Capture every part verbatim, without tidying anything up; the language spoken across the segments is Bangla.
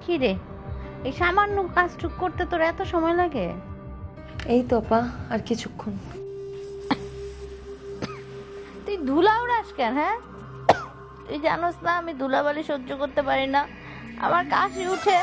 কি রে, এই সামান্য কাজটুক করতে তোর এত সময় লাগে? এই তো আপা, আর কিছুক্ষণ। তুই ধুলা উড়াস কেন? হ্যাঁ, তুই জানোস না আমি ধুলাবালি সহ্য করতে পারি না, আমার কাশি উঠে।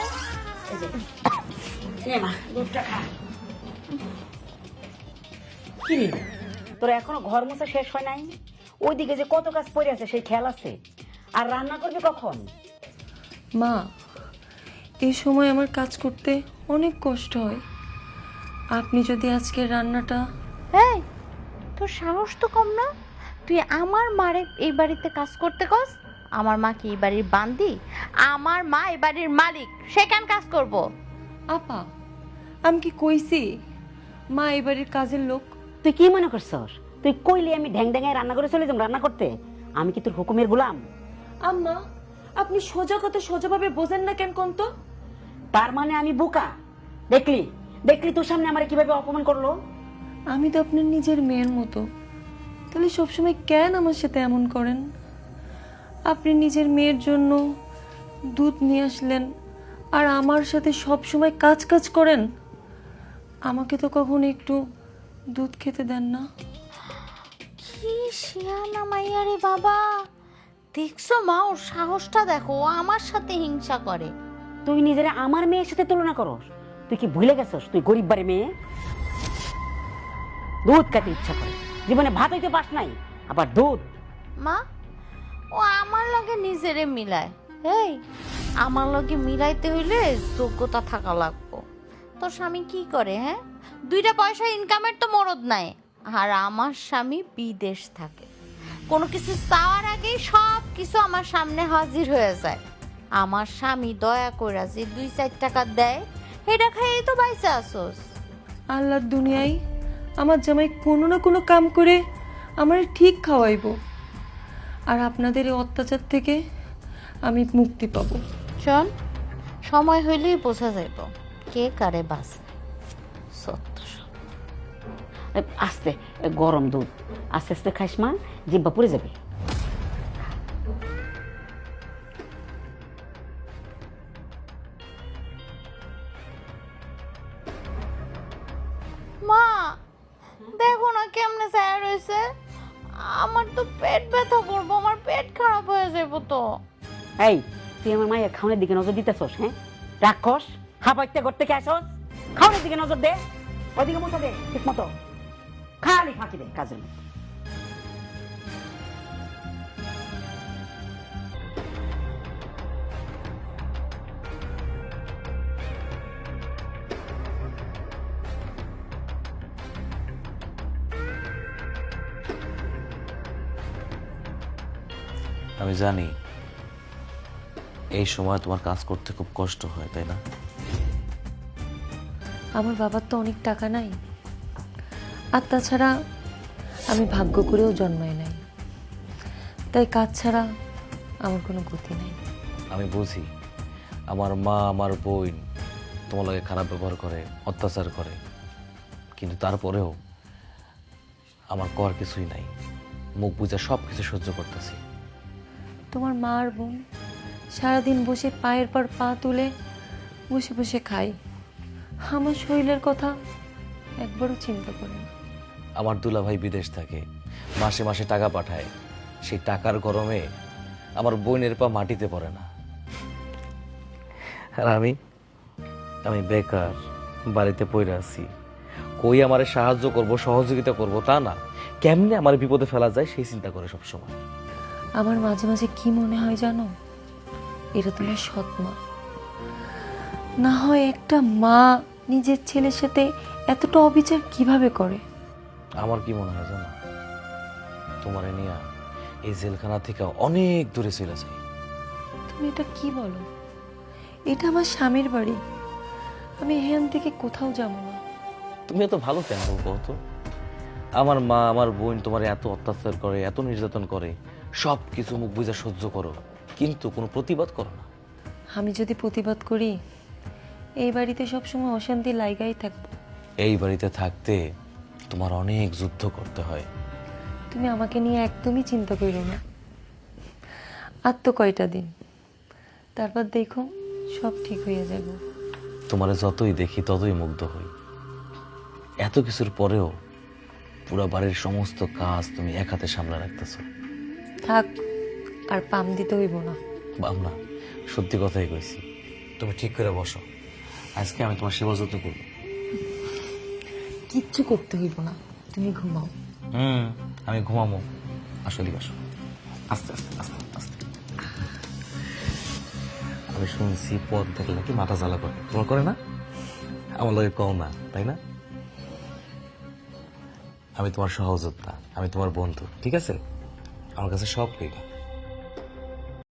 কি রে, তোর এখনো ঘর মোছা শেষ হয় নাই? ওইদিকে যে কত কাজ পড়ে আছে সেই খেয়াল আছে? আর রান্না করবি কখন? মা, এই সময় আমার কাজ করতে অনেক কষ্ট হয়। আপনি যদি আজকের রান্নাটা... এই, তোর সাহস তো কম না? তুই আমার মারে এই বাড়িতে কাজ করতে কস? আমার মা কি এই বাড়ির বান্দি? আমার মা এই বাড়ির মালিক, সে কেন কাজ করব? আপা, আমি কি কইছি মা এই বাড়ির কাজের লোক? তুই কি মনে করছস তুই কইলে আমি ঢ্যাং ঢ্যাঙায় রান্না করে চলে যাম রান্না করতে? আমি কি তোর হুকুমের গোলাম? আম্মা, আপনি সোজা কথা সোজাভাবে বোঝেন না কেন কোন তো? তার মানে আমি বোকা? দেখলি দেখলি তোর সামনে আমার কিভাবে অপমান করলো? আমি তো আপনার নিজের মেয়ের মতো, তাহলে সবসময় কেন আমার সাথে এমন করেন? আপনি নিজের মেয়ের জন্য দুধ নিয়ে আসলেন আর আমার সাথে সব সময় কাজ কাজ করেন। আমাকে তো কখনো একটু দুধ খেতে দেন না। কি শিয়ানা মাইয়া রে বাবা! দেখছো মা, ওর সাহসটা দেখো, ও আমার সাথে হিংসা করে। তুই নিজের আমার মেয়ের সাথে তুলনা করস? তুই কি ভুলে গেছস তুই গরিব বাড়ি মেয়ে? দুধ খেতে ইচ্ছা করে, জীবনে ভাত হইতে পাস নাই, আবার দুধ? মা, ও আমার লগে নিজেরে মিলায়। এই, আমার লগে মিলাইতে হইলে যোগ্যতা থাকা লাগবো। তোর স্বামী কি করে? হ্যাঁ, দুইটা পয়সা ইনকামের তো মরদ নাই। আর আমার স্বামী বিদেশ থাকে, কোনো কিছু চাওয়ার আগেই সব কিছু আমার সামনে হাজির হয়ে যায়। আমার স্বামী দয়া কইরা যে দুই চার টাকা দেয়, এটা খাইয়েই তো বাইসে আসোস। আল্লাহর দুনিয়ায় আমার জামাই কোনো না কোনো কাম করে আমার ঠিক খাওয়াইবো, আর আপনাদের এই অত্যাচার থেকে আমি মুক্তি পাবো। শোন, সময় হইলেই বোঝা যাইব কে কারে বাসে। সত্য সব। এ, আস্তে, এ, গরম দুধ আস্তে আস্তে খাইস মা, জিব্বা পুড়ে যাবে। মা, দেখো না কেমনে ছায়া রয়েছে। আমার তো পেট ব্যথা করবো, আমার পেট খারাপ হয়ে যাবো তো। এই, তুই আমার মায়ের খাওয়ানোর দিকে নজর দিতেছস? হ্যাঁ, রাক্ষস, হাবাইতে করতে কে আসস? খাওয়ানোর দিকে নজর দে, ওইদিকে মতো দে ঠিক মতো, খালি ফাঁকি দে কাজের মতো। আমি জানি এই সময় তোমার কাজ করতে খুব কষ্ট হয়, তাই না? আমার বাবার তো অনেক টাকা নাই, আর তাছাড়া আমি ভাগ্য করেও জন্মাই নাই, তাই কাজ ছাড়া আমার কোনো গতি নাই। আমি বুঝি আমার মা আমার বোন তোমার লাগে খারাপ ব্যবহার করে, অত্যাচার করে, কিন্তু তারপরেও আমার কর কিছুই নাই, মুখ বুঝা সব কিছু সহ্য করতেছি। তোমার মা আর বোন সারাদিন বসে পায়ের পর পা তুলে বসে বসে খাই, আমার শরীরের কথা একবারও চিন্তা করে না। আমার দুলাভাই বিদেশ থাকে, মাসে মাসে টাকা পাঠায়, সেই টাকার গরমে আমার বোনের পা মাটিতে পড়ে না। আর আমি আমি বেকার, বাড়িতে পড়ে আছি, কই আমারে সাহায্য করব, সহযোগিতা করব তা না, কেমনে আমার বিপদে ফেলা যায় সেই চিন্তা করে সব সময়। আমার মাঝে মাঝে কি মনে হয় জানো, এটা তোমার সৎ মা না হয় একটা মা নিজের ছেলের সাথে এতটা অবিচার কিভাবে করে? আমার কি মনে হয় জানো, তোমার নিয়ে এই জেলখানা থেকে অনেক দূরে চলে যাই। তুমি এটা কি বলো? এটা আমার স্বামীর বাড়ি, আমি এখান থেকে কোথাও যাব না। তুমি এত ভালো কেন বলবো তো? আমার মা আমার বোন তোমার এত অত্যাচার করে, এত নির্যাতন করে, সব কিছু মুখ বুঝে সহ্য করো, কিন্তু কোনো প্রতিবাদ করো না। আমি যদি প্রতিবাদ করি এই বাড়িতে সবসময় অশান্তি লাগাই থাকবো। এই বাড়িতে থাকতে তোমার অনেক যুদ্ধ করতে হয়। তুমি আমাকে নিয়ে একদমই চিন্তা করো না, আর তো কয়টা দিন, তারপর দেখো সব ঠিক হয়ে যাব। তোমারে যতই দেখি ততই মুগ্ধ হই। এত কিছুর পরেও পুরো বাড়ির সমস্ত কাজ তুমি এক হাতে সামলে রাখতেছো। থাক, আর পাম দিতে হইব না। বাবনা, সত্যি কথাই কইছি। তুমি ঠিক করে বসো, আজকে আমি তোমার সেবা যত্ন করবো। কিচ্ছু করতে হইব না, তুমি ঘুমাও। হুম, আমি ঘুমাবো। আসলে বসো, আস্তে আস্তে আস্তে আস্তে। আমি শুনছি পথ দেখলে নাকি মাথা জ্বালা করে, তোমার করে না? আমার লগে কও না, তাই না? আমি তোমার সহযোদ্ধা, আমি তোমার বন্ধু, ঠিক আছে? আমার কাছে সব কইবা।